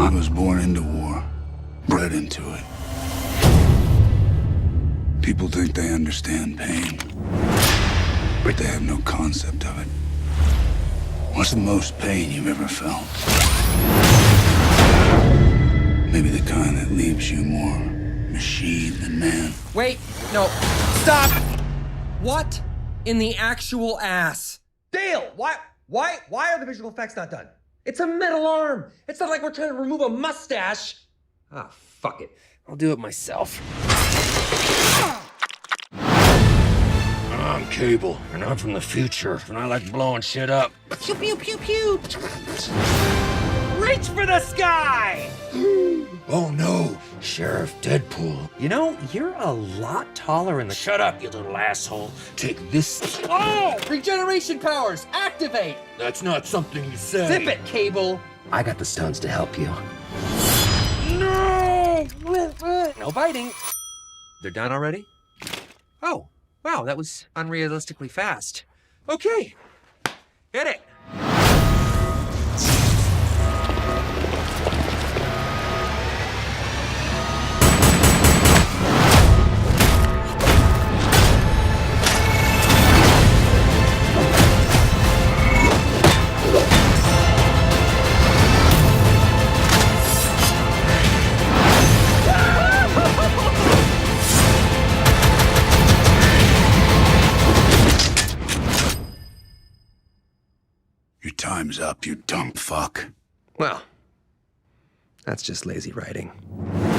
I was born into war, bred into it. People think they understand pain, but they have no concept of it. What's the most pain you've ever felt? Maybe the kind that leaves you more machine than man. Wait, no, stop! What in the actual ass? Dale, why are the visual effects not done? It's a metal arm. It's not like we're trying to remove a mustache. Ah, fuck it. I'll do it myself. I'm Cable, and I'm from the future, and I like blowing shit up. Pew, pew, pew, pew. Reach for the sky! Oh no, Sheriff Deadpool. You know, you're a lot taller in the... Shut up, you little asshole. Take this. Oh! Regeneration powers, activate! That's not something you say. Zip it, Cable! I got the stones to help you. No! No biting. They're done already? Oh, wow, that was unrealistically fast. Okay, hit it. Your time's up, you dumb fuck. Well, that's just lazy writing.